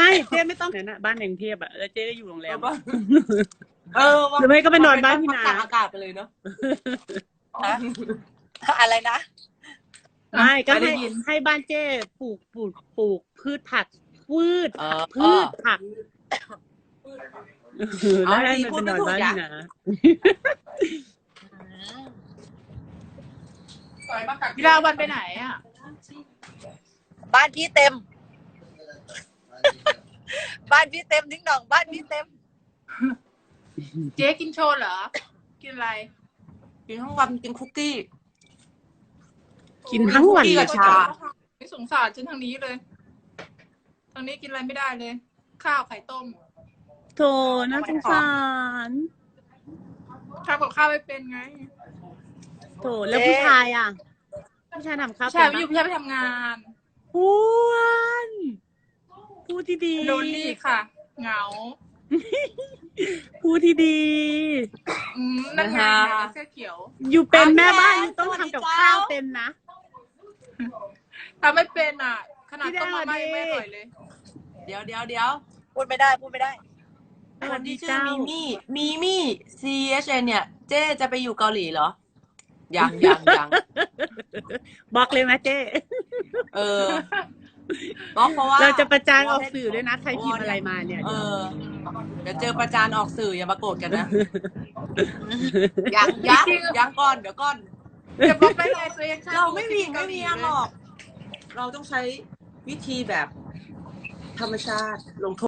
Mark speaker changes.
Speaker 1: ไม่เจ๊ไม่ต้องเนี่ยนะบ้านในกรุงเทพอะแล้วเจ๊ก็อยู่โรงแรม
Speaker 2: หรือไม่ก็ไปนอนบ้านพี่นา
Speaker 3: ตากอากาศไปเลยเนาะ
Speaker 4: อะไรนะ
Speaker 1: ไม่ก็
Speaker 2: ไม่ได้
Speaker 1: ให้
Speaker 2: ยิน
Speaker 1: ให้บ้านเจ๊ปลูกพืชผักผักแล้วให้มันไปนอนบ้านพี่นา
Speaker 2: พี่ดาวันไปไหนอ่ะ
Speaker 4: บ้านพี่เต็ม บ้านพี่เต็มทิ้งหน่องบ้านพี่เต็ม
Speaker 2: เจ๊กินโชว์เหรอ กินอะไร
Speaker 3: กินทั้งวันกินคุกกี้
Speaker 1: กินทั้งวัน
Speaker 3: คุกกี้
Speaker 1: เล
Speaker 3: กั
Speaker 1: ย
Speaker 3: บชา
Speaker 2: ไม่สงสารฉันทางนี้เลย ทางนี้กินอะไรไม่ได้เลย ข้าวไข่ต้ม
Speaker 1: โถน่าสงสาร
Speaker 2: ทำกับข้าวไม่เป็นไง
Speaker 1: โถแล้วผู้ชายอ่ะผู้ชายทำข้าว
Speaker 2: ใช่
Speaker 1: เป็น
Speaker 2: พี่
Speaker 1: ปะ
Speaker 2: พี่ไปทำงาน
Speaker 1: อ้วนพูดที่ดี
Speaker 2: โดนลี่ค่ะ เหงา
Speaker 1: พูดที่ดี
Speaker 2: นั่นไง
Speaker 3: นะคะ
Speaker 2: เสื้อเขียว
Speaker 1: อยู่เป็นแม่บ้าน
Speaker 3: อ่ะ
Speaker 1: อยู่ต้อง
Speaker 3: สวัสดี
Speaker 1: ทำกับ
Speaker 3: เจ้า
Speaker 1: ข้าวเป็นนะ
Speaker 2: ทำไม่เป็นอ่ะ ขนาด
Speaker 1: พี่ดา
Speaker 2: ต้มมาม่า
Speaker 1: ดี
Speaker 2: ยังไม่อร่อยเลย
Speaker 3: เดี๋ยว
Speaker 4: พูดไม่ได้พูดไม่ได้
Speaker 3: คนที่ชื่อมีมี่ CHN เนี่ย เจ๊จะไปอยู่เกาหลีเหรอ ยัง
Speaker 1: บอกเลยไหมเจ๊
Speaker 3: เออเพราะว่า
Speaker 1: เราจะประจานออกสื่อด้วยนะใครพิมพ์อะไรมาเนี่ย
Speaker 3: เออ เดี๋ยวเจอประจานออกสื่ออย่ามาโกรธกันนะ ยังก่อนเดี๋ยวก่อน
Speaker 2: จะบอกได้ไงตัวเอง
Speaker 3: เราไม่มียังหรอก เราต้องใช้วิธีแบบธรรมชาติลงโทษ